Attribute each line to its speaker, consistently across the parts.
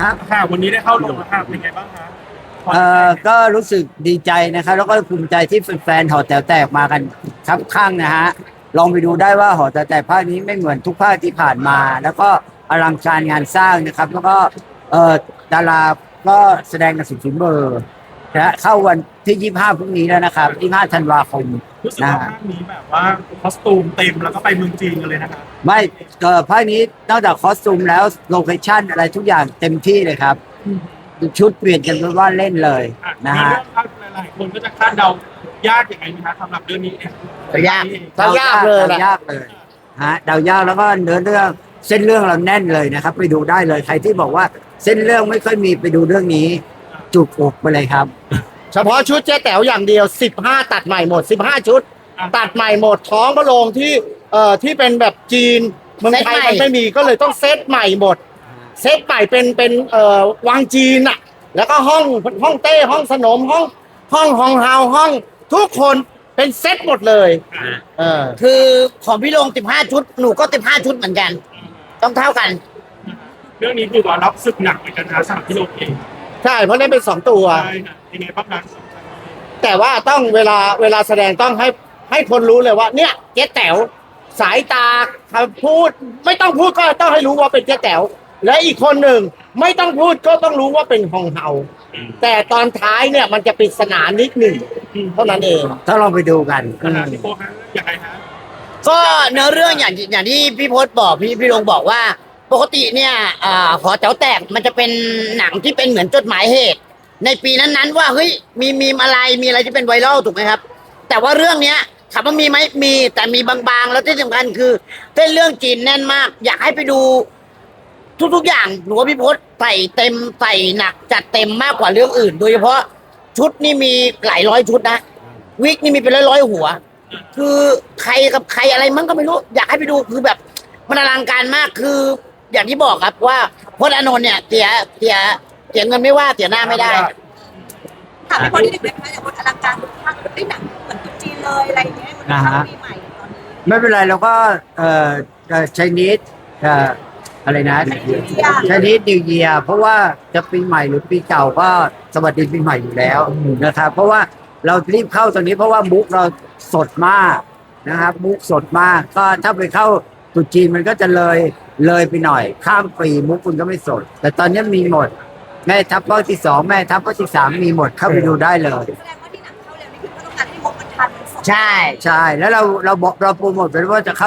Speaker 1: ครับ
Speaker 2: ค่ะวันนี้ได้เข้าโรงแล้วค่ะเป็นไงบ้างคะ
Speaker 1: ก็รู้สึกดีใจนะครับแล้วก็ภูมิใจที่แฟนๆหอแต๋วแตกมากันครับข้างนะฮะลองไปดูได้ว่าหอแต๋วแตกภาคนี้ไม่เหมือนทุกภาคที่ผ่านมา แล้วก็อลังการงานสร้างนะครับ แล้วก็เอ่อดาราก็แสดงกันสุดฝีมือนะเข้าวันที่25พรุ่งนี้แล้วนะครับ25ธันวาคม
Speaker 2: รู้สึก
Speaker 1: นะ
Speaker 2: ว่า
Speaker 1: ฮะ
Speaker 2: ภาคนี้แบบว่าคอสตูมเต็มแล้วก็ไปเมืองจีนกันเลยนะคะ
Speaker 1: ไม่ภาคนี้นอกจากคอสตูมแล้วโลเคชั่นอะไรทุกอย่างเต็มที่เลยครับชุดเปลี่ยนกันเป็นว่าเล่นเลยนะ
Speaker 2: มี
Speaker 1: ฮะ
Speaker 2: เรื่องภาคหลายๆคนก็จะคาดเดายากอย่างไรไหมคะสำหรับเรื่องนี้เนี่ย
Speaker 3: ยากยากเลยแหละ
Speaker 1: ยากเลยฮะเดายากแล้วก็เนื้อเรื่องเส้นเรื่องเราแน่นเลยนะครับไปดูได้เลยใครที่บอกว่าเส้นเรื่องไม่ค่อยมีไปดูเรื่องนี้ จุกอกไปเลยครับ
Speaker 3: เฉพาะชุดเจ๊แต๋วอย่างเดียว15ตัดใหม่หมด15ชุด ตัดใหม่หมดท้องพระโรงที่เป็นแบบจีนเมืองไทยมันไม่มีก็เลยต้องเซตใหม่หมดเซตใหม่เป็นวังจีนอ่ะแล้วก็ห้องเต้ห้องสนมห้องเฮาห้องทุกคนเป็นเซตหมดเลย
Speaker 4: คือของพี่ลง15ชุดหนูก็15ชุดเหมือนกัน ต้องเท่ากัน
Speaker 2: เรื่องนี้คือว่ารับศึกหนักเหมือนกันนะสำหรับพี่โลเอง
Speaker 3: ใช่เพราะเล่นเป็น2ตัว
Speaker 2: ใช่ค่ะยังไงบ้างคะ
Speaker 3: แต่ว่าต้องเวลาแสดงต้องให้คนรู้เลยว่าเนี่ยเจ๊แต๋วสายตาคำพูดไม่ต้องพูดก็ต้องให้รู้ว่าเป็นเจ๊แต๋วและอีกคนหนึ่งไม่ต้องพูดก็ต้องรู้ว่าเป็นฮองเฮาแต่ตอนท้ายเนี่ยมันจะปริศนานิดหนึ่งเท่านั้นเอง
Speaker 1: ถ้าเราไปดูกัน
Speaker 2: พี่โป๊ฮะยังไงฮะ
Speaker 4: ก็เนื้อเรื่องอย่างที่พี่พศบอกพี่ลงบอกว่าปกติเนี่ยหอแถวแตกมันจะเป็นหนังที่เป็นเหมือนจดหมายเหตุ ในปีนั้นๆว่าเฮ้ยมีอะไรมีอะไรที่เป็นไวรัลถูกไหมครับ แต่ว่าเรื่องเนี้ยถามว่ามีไหมมีแต่มีบางๆแล้วที่สำคัญคือเส้นเรื่องจีนแน่นมาก อยากให้ไปดูทุกๆอย่างหนูว่าพี่พศใส่เต็มใส่หนักจัดเต็มมากกว่าเรื่องอื่น โดยเฉพาะชุดนี่มีหลายร้อยชุดนะวิกนี่มีเป็นร้อยๆหัว คือใครกับใครอะไรมั้งก็ไม่รู้อยากให้ไปดูคือแบบมันอลังการมากคือ อย่างที่บอกครับว่าพจน์อานนท์เนี่ยเสียเงินไม่ว่าเสียหน้าไม่ได้
Speaker 5: ถามพี่พลนิดนึงนะคะอย่างบนอลังการทุกภาคได้หนังเหมือนตุ๊จีนเลยอะไรอย่างเงี้ยมันเข้าปีใหม่ตอนนี้
Speaker 1: ไม่เป็นไรเราก็ใช้นิดอะไรนะใช้นิดนิวเยียเพราะว่าจะปีใหม่หรือปีเก่าก็สวัสดีปีใหม่อยู่แล้วนะครับเพราะว่าเรารีบเข้าตอนนี้เพราะว่ามุกเราสดมากนะครับมุกสดมากก็ถ้าไปเข้าตรุษจีนมันก็จะเลยไปหน่อย ข้ามปีมุกคุณก็ไม่สด แต่ตอนนี้มีหมดแม่ทัพภาคที่2แม่ทัพภาคที่3มีหมดเข้าไปดูได้เลย
Speaker 5: แสดงว่าที่หนังเข้าเร็วนี่คือก็ต้องการให้งบมันทันมันสด
Speaker 4: ใช่
Speaker 1: ใช่แล้วเราบอกเราโปรโมทไปว่าจะเข้า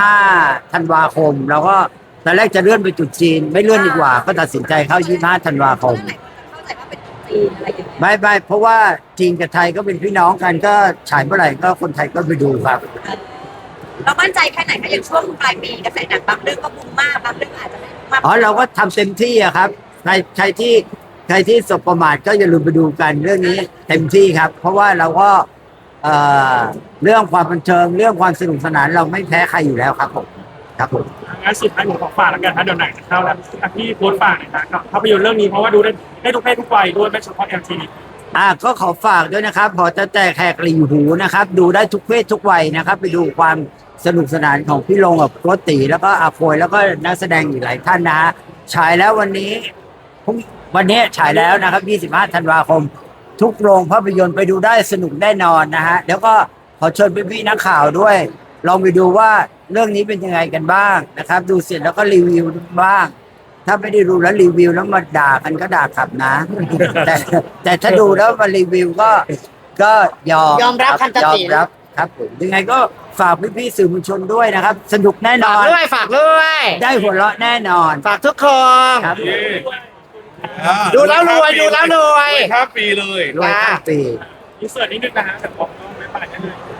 Speaker 1: 25ธันวาคมเราก็ตอนแรกจะเลื่อนไปตรุษจีนไม่เลื่อนดีกว่า ก็ตัดสินใจเข้า25ธันวาคม
Speaker 5: เมื่อไหร่คนจะเข้าใจว่าเป็นตุ๊จีนอะไรอย่างเงี้ย
Speaker 1: ไม่เพราะว่าจีนกับไทยก็เป็นพี่น้องกันก็ฉายเมื่อไหร่ก็คนไทยก็ไปดูครับ
Speaker 5: เรามั่นใจแค่ไหนคะอย่างช่วงปลายปีกระแสหนังบางเรื่องก็บูมมากบางเรื่องอาจจะไม่บูมมาก
Speaker 1: อ๋อเราก็ทำเต็มที่อะครับใครที่สบประมาทก็อย่าลืมไปดูกันเรื่องนี้เต็มที่ครับ เพราะว่าเราก็เรื่องความบันเทิงเรื่องความสนุกสนานเราไม่แพ้ใครอยู่แล้วครับผมครับผม
Speaker 2: งั้นสุดท้ายผมขอฝากแล้วกันนะเดี๋ยวหนังจะเข้าแล้วพี่โพสต์ฝากหน่อยนะกับภาพยนตร์เรื่องนี้เพราะว่าดูได้ทุกเพศทุกวัยด้วยไม่เฉพาะ LGBT
Speaker 1: ก็ขอฝากด้วยนะครับหอจะแตกแหกหลีหูนะครับ ดูได้ทุกเพศทุกวัยนะครับ ไปดูความสนุกสนานของพี่ลงกับโกติแล้วก็อาโฟยแล้วก็นักแสดงอีกหลายท่านนะฮะฉายแล้ววันนี้ฉายแล้วนะครับ25ธันวาคม ทุกโรงภาพยนตร์ไปดูได้สนุกแน่นอนนะฮะแล้วก็ขอเชิญพี่ๆนักข่าวด้วย ลองไปดูว่าเรื่องนี้เป็นยังไงกันบ้างนะครับ ดูเสร็จแล้วก็รีวิวบ้าง ถ้าไม่ได้ดูแล้วรีวิวแล้วมาด่ากันก็ด่ากลับนะ แต่ถ้าดูแล้วมารีวิวก็
Speaker 4: ยอมรับคำตัดสิน
Speaker 1: ยอมรับครับผมยังไงก็ฝากพี่ๆสื่อมวลชนด้วยนะครับ สนุกแน่นอน
Speaker 3: ฝากด้วย
Speaker 1: ได้หัวเราะแน่นอน
Speaker 3: ฝากทุกคน
Speaker 1: ครับ
Speaker 3: ดูแล้วรวยดูแล้วรวย
Speaker 6: ข้ามปีเลย
Speaker 1: รวยทั้งปี
Speaker 2: อินเสิร์ตนิดนึงนะฮะแต่ผมก็ไม่ไปกันเลย